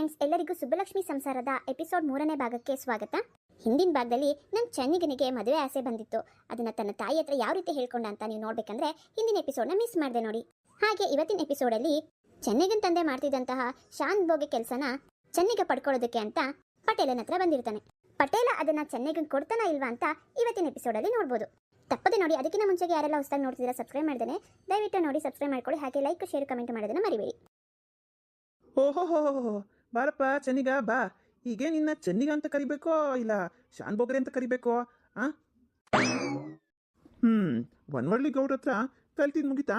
Friends, ಎಲ್ಲರಿಗೂ ಸುಬ್ಬಲಕ್ಷ್ಮಿ ಸಂಸಾರದ episode 3ನೇ ಭಾಗಕ್ಕೆ ಸ್ವಾಗತ. ಹಿಂದಿನ ಭಾಗದಲ್ಲಿ ನನ್ನ ಚೆನ್ನಿಗನಿಗೆ ಮದುವೆ ಆಸೆ ಬಂದಿತ್ತು. ಅದನ್ನ ತನ್ನ ತಾಯಿ ಹತ್ರ ಯಾವ ರೀತಿ ಹೇಳ್ಕೊಂಡ ಅಂತ ನೀವು ನೋಡ್ಬೇಕಂದ್ರೆ ಹಿಂದಿನ ಎಪಿಸೋಡ್ನ ಮಿಸ್ ಮಾಡಿದೆ ನೋಡಿ. ಹಾಗೆ ಇವತ್ತಿನ ಎಪಿಸೋಡಲ್ಲಿ ಚೆನ್ನಿಗನ್ ತಂದೆ ಮಾಡ್ತಿದ್ದಂತಹ ಶಾಂತ್ ಭೋಗಿ ಕೆಲಸನ ಚೆನ್ನಿಗ ಪಡ್ಕೊಳ್ಳೋದಕ್ಕೆ ಅಂತ ಪಟೇಲನ ಹತ್ರ ಬಂದಿರ್ತಾನೆ. ಪಟೇಲ ಅದನ್ನ ಚೆನ್ನಿಗನ್ ಕೊಡ್ತಾನ ಇಲ್ವಾ ಅಂತ ಇವತ್ತಿನ ಎಪಿಸೋಡಲ್ಲಿ ನೋಡ್ಬೋದು. ತಪ್ಪದೆ ನೋಡಿ. ಅದಕ್ಕಿಂತ ಮುಂಚೆಗೆ ಯಾರೆಲ್ಲ ಹೊಸದಾಗಿ ನೋಡ್ತಿದ್ದೀರಾ ಸಬ್ಸ್ಕ್ರೈಬ್ ಮಾಡ್ದೇನೆ ದಯವಿಟ್ಟು ನೋಡಿ ಸಬ್ಸ್ಕ್ರೈಬ್ ಮಾಡ್ಕೊಳ್ಳಿ. ಹಾಗೆ ಲೈಕ್ ಶೇರ್ ಕಮೆಂಟ್ ಮಾಡೋದನ್ನ ಮರಿಬೇಡಿ. ಓಹೋ ಬಾರಪ್ಪ ಚೆನ್ನಿಗ ಬಾ. ಹೀಗೆ ನಿನ್ನ ಚೆನ್ನಿಗ ಅಂತ ಕರಿಬೇಕೋ ಇಲ್ಲ ಶಾನ್ ಬೋಗ್ರೆ ಅಂತ ಕರಿಬೇಕೋ? ಒನ್ವಳ್ಳಿ ಗೌಡ್ರ ಹತ್ರ ಕಲ್ತಿದ್ ಮುಗೀತಾ?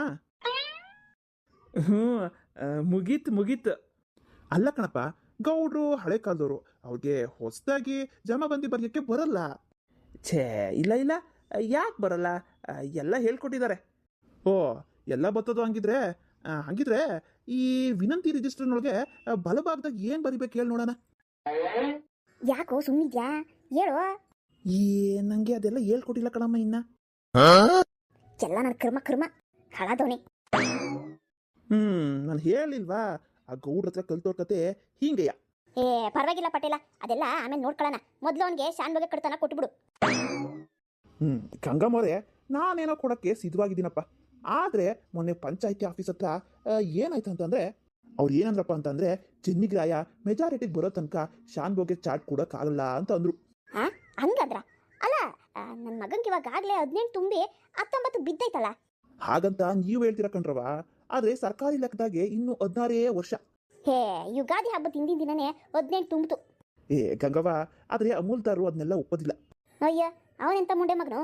ಮುಗೀತ್. ಅಲ್ಲ ಕಣಪ್ಪ, ಗೌಡ್ರು ಹಳೆ ಕಾಲದವರು, ಅವ್ರಿಗೆ ಹೊಸದಾಗಿ ಜಮಾಬಂದಿ ಬರೆಯೋಕ್ಕೆ ಬರಲ್ಲ. ಛೇ ಇಲ್ಲ ಯಾಕೆ ಬರಲ್ಲ? ಎಲ್ಲ ಹೇಳ್ಕೊಟ್ಟಿದ್ದಾರೆ. ಓ ಎಲ್ಲ ಬರ್ತದೋ ಹಂಗಿದ್ರೆ ಈ ವಿನಂತಿ ರಿಜಿಸ್ಟರ್ನೊಳಗೆ ಬಲಭಾಗದಾಗ ಏನ್ ಬರಿಬೇಕು ಹೇಳಿ ನೋಡೋಣ. ಯಾಕೋ ಸುಮ್ನಿದ್ಯಾ ಹೇಳು. ನಂಗೆ ಅದೆಲ್ಲ ಹೇಳ್ಕೊಟ್ಟಿಲ್ಲ ಕಣಮ್ಮ ಇನ್ನ. ಎಲ್ಲ ನನ್ನ ಕರ್ಮ ಹಳದೋನೆ. ನಾನು ಹೇಳಿಲ್ವಾ ಆ ಗೌಡ್ರ ಹತ್ರ ಕಲ್ತೋರ್ ಕತೆ ಹಿಂಗೆಯ. ಪರವಾಗಿಲ್ಲ ಪಟೇಲ, ಅದೆಲ್ಲ ಆಮೇಲೆ ನೋಡ್ಕೊಳ್ಳೋಣ. ಮೊದ್ಲು ಅವನಿಗೆ ಶಾನ್ ಬಗ್ಗೆ ಕಡ್ತಾನ ಕೊಟ್ಬಿಡು. ಗಂಗಮ್ಮವ್ರೆ, ನಾನೇನೋ ಕೊಡಕ್ಕೆ ಸಿದ್ಧವಾಗಿದ್ದೀನಪ್ಪ. ಆದ್ರೆ ಮೊನ್ನೆ ಪಂಚಾಯತಿ ಆಫೀಸ್ ಹತ್ರ ಏನಾಯ್ತು ಅಂತಂದ್ರೆ ಅವ್ರು ಏನಂದ್ರಪ್ಪ ಅಂತಂದ್ರೆ ಚೆನ್ನಿಗ್ರಾಯ ಮೆಜಾರಿಟಿಗೆ ಬರೋ ತನಕ ಶಾನ್ ಬೋಗೆ ಚಾಟ್ ಕೊಡಕ್ಕಾಗಲ್ಲ ಅಂತ ಅಂದ್ರು. ಹಂಗಂದ್ರ? ಅಲ್ಲ, ನನ್ನ ಮಗನ್ಗೆ ಇವಾಗಲೇ 18 ತುಂಬಿ 19 ಬಿದ್ದೈತಲ್ಲ. ಹಾಗಂತ ನೀವು ಹೇಳ್ತೀರ ಕಣ್ರವ, ಆದ್ರೆ ಸರ್ಕಾರಿ ಲೆಕ್ಕದಾಗೆ ಇನ್ನು 16 ವರ್ಷ. ಯುಗಾದಿ ಹಬ್ಬದ ಹಿಂದಿನ ದಿನನೇ 18 ತುಂಬಿತು. ಗಂಗವ್ವ, ಆದ್ರೆ ಅಮೂಲ್ದಾರು ಅದನ್ನೆಲ್ಲ ಒಪ್ಪೋದಿಲ್ಲ. ಅಯ್ಯ, ಅವನೆಂತ ಮುಂಡೆ ಮಗನು?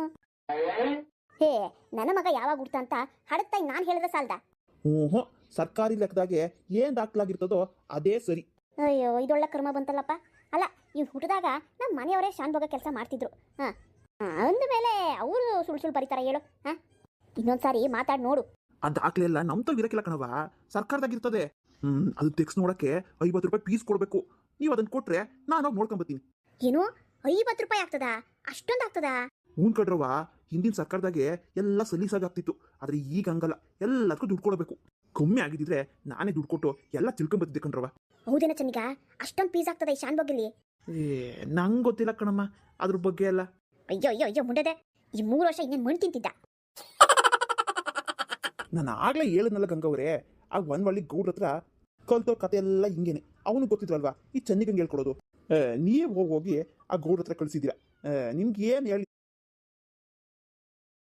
ನನ್ನ ಮಗ ಯಾವಾಗ ಹುಡ್ತ ಅಂತ ಹಡತ್ತಾಗಿ ನಾನು ಹೇಳಿದ್ರೆ ಸಾಲ್ದ? ಸರ್ಕಾರಿ ಲೆಕ್ಕದಾಗೆ ಏನ್ ದಾಖಲಾಗಿರ್ತದೋ ಅದೇ ಸರಿ. ಅಯ್ಯೋ, ಇದೊಳ್ಳೆ ಕರ್ಮ ಬಂತಲ್ಲಪ್ಪ. ಅಲ್ಲ, ಇವ್ ಹುಟ್ಟಿದಾಗ ನಮ್ಮ ಮನೆಯವರೇ ಶಾನ್ ಭೋಗ ಕೆಲಸ ಮಾಡ್ತಿದ್ರು. ಅಂದ ಮೇಲೆ ಅವರು ಸುಳ್ಳು ಬರೀತಾರ ಹೇಳು? ಇನ್ನೊಂದ್ಸಾರಿ ಮಾತಾಡಿ ನೋಡು. ಆ ದಾಖಲೆ ಎಲ್ಲ ನಮ್ ತಗ ಇರಕ್ಕಿಲ್ಲ ಕಣವ, ಸರ್ಕಾರದಾಗಿರ್ತದೆ. ಅದು ತೆಗ್ಸ್ ನೋಡಕ್ಕೆ 50 ರೂಪಾಯಿ ಫೀಸ್ ಕೊಡ್ಬೇಕು. ನೀವು ಅದನ್ನ ಕೊಟ್ರೆ ನಾನು ನೋಡ್ಕೊಂಬತ್ತೀನಿ. ಏನು 50 ರೂಪಾಯಿ ಆಗ್ತದಾ? ಅಷ್ಟೊಂದು ಆಗ್ತದಾ? ಕಡ್ರವ, ಹಿಂದಿನ ಸರ್ಕಾರದಾಗೆ ಎಲ್ಲ ಸಲೀಸಾಗ್ತಿತ್ತು. ಆದ್ರೆ ಈಗ ಹಂಗಲ್ಲ, ಎಲ್ಲದಕ್ಕೂ ದುಡ್ಡು ಕೊಡಬೇಕು. ಕಮ್ಮಿ ಆಗಿದ್ರೆ ನಾನೇ ದುಡ್ಡು ಕೊಟ್ಟು ಎಲ್ಲ ತಿಳ್ಕೊಂಬತ್ತಿದ್ದೆ ಕಣ್ರವ. ಹೌದೇನ ಚೆನ್ನಿಗ? ಅಷ್ಟೊಂದು ಫೀಸ್ ಆಗ್ತದ ಈ ಶಾನ್ ಭೋಗಲ್ಲಿ? ನಂಗೆ ಗೊತ್ತಿಲ್ಲ ಕಣಮ್ಮ ಅದ್ರ ಬಗ್ಗೆ ಎಲ್ಲ. ಅಯ್ಯೋ ಮುಂಡದೆ, ಈ 3 ವರ್ಷ ಇನ್ನೇನು ಮಣ್ಣು ತಿಂತಿದ್ದ. ನಾನು ಆಗ್ಲೇ ಹೇಳಿದ್ನಲ್ಲ ಗಂಗವ್ರೆ, ಆಗ ಒಳ್ಳಿ ಗೌಡ್ರ ಹತ್ರ ಕಲ್ತೋ ಕತೆ ಎಲ್ಲ ಹಿಂಗೇನೆ. ಅವನು ಗೊತ್ತಿದ್ರಲ್ವಾ ಈ ಚೆನ್ನಿಗಂಗೆ ಹೇಳ್ಕೊಡೋದು. ನೀವು ಹೋಗಿ ಆ ಗೌಡ್ರ ಹತ್ರ ಕಳಿಸಿದ್ದೀರಾ. ನಿಮ್ಗೆ ಏನು